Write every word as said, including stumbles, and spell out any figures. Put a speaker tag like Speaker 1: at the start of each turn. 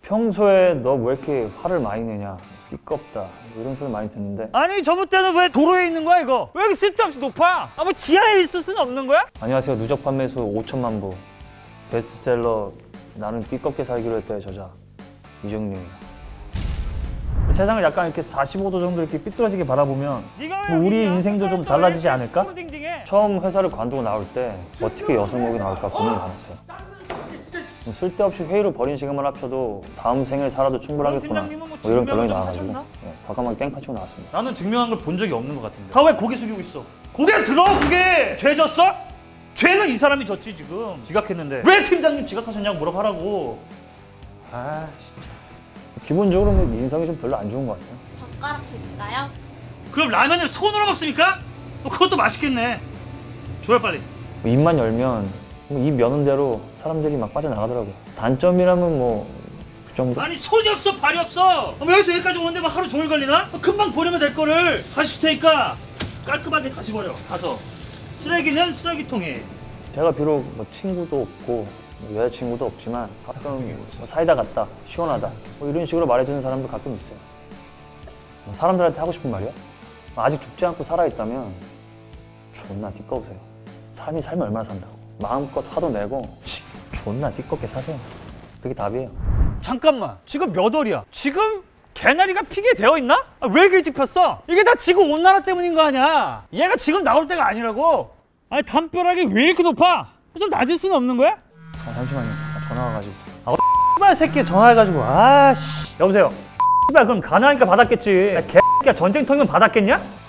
Speaker 1: 평소에 너 왜 이렇게 화를 많이 내냐, 띠껍다 이런 소리 많이 듣는데,
Speaker 2: 아니 저번 때는 왜 도로에 있는 거야 이거? 왜 이렇게 쓸데없이 높아? 아 뭐 지하에 있을 수는 없는 거야?
Speaker 1: 안녕하세요. 누적 판매수 오천만 부 베스트셀러 나는 띠껍게 살기로 했다의 저자 이정룡입니다. 세상을 약간 이렇게 사십오 도 정도 이렇게 삐뚤어지게 바라보면 뭐 우리 인생도 좀 달라지지 않을까? 처음 회사를 관두고 나올 때 어떻게 여성복이 나올까 고민이 많았어요. 쓸데없이 회의로 버린 시간만 합쳐도 다음 생을 살아도 충분하겠구나, 뭐 이런 결론이 나와가지고 네, 과감하게 깽판 치고 나왔습니다.
Speaker 2: 나는 증명한 걸 본 적이 없는 것 같은데 다 왜 고개 숙이고 있어? 고개 들어 그게! 죄 졌어? 죄는 이 사람이 졌지 지금. 지각했는데 왜 팀장님 지각하셨냐고 물어보라고. 아 진짜.
Speaker 1: 기본적으로 뭐 인성이 좀 별로 안 좋은 것 같아요.
Speaker 3: 젓가락 드릴까요?
Speaker 2: 그럼 라면을 손으로 먹습니까? 그것도 맛있겠네. 줘요 빨리.
Speaker 1: 입만 열면 입 여는 대로 사람들이 막 빠져나가더라고요. 단점이라면 뭐 그 정도?
Speaker 2: 아니 손이 없어 발이 없어. 뭐 여기서 여기까지 오는데 막 하루 종일 걸리나? 금방 버리면 될 거를 다시 줄 테니까 깔끔하게 다시 버려. 가서 쓰레기는 쓰레기통에. 제가
Speaker 1: 비록 뭐 친구도 없고 여자친구도 없지만 가끔 뭐 사이다 같다, 시원하다 뭐 이런 식으로 말해주는 사람도 가끔 있어요. 뭐 사람들한테 하고 싶은 말이야? 아직 죽지 않고 살아있다면 존나 띠꺼우세요. 삶이 살면 얼마나 산다고. 마음껏 화도 내고 존나 띠껍게 사세요. 그게 답이에요.
Speaker 2: 잠깐만, 지금 몇 월이야? 지금 개나리가 피게 되어 있나? 아, 왜 일찍 폈어? 이게 다 지금 온난화 때문인 거 아니야. 얘가 지금 나올 때가 아니라고. 아니 담벼락이 왜 이렇게 높아? 좀 낮을 수는 없는 거야?
Speaker 1: 아, 잠시만요. 아, 전화 와가지고.
Speaker 2: 아 X발 새끼 전화해가지고 아씨. 여보세요. X발 그럼 가난하니까 받았겠지. 야, 개X야 전쟁통이면 받았겠냐?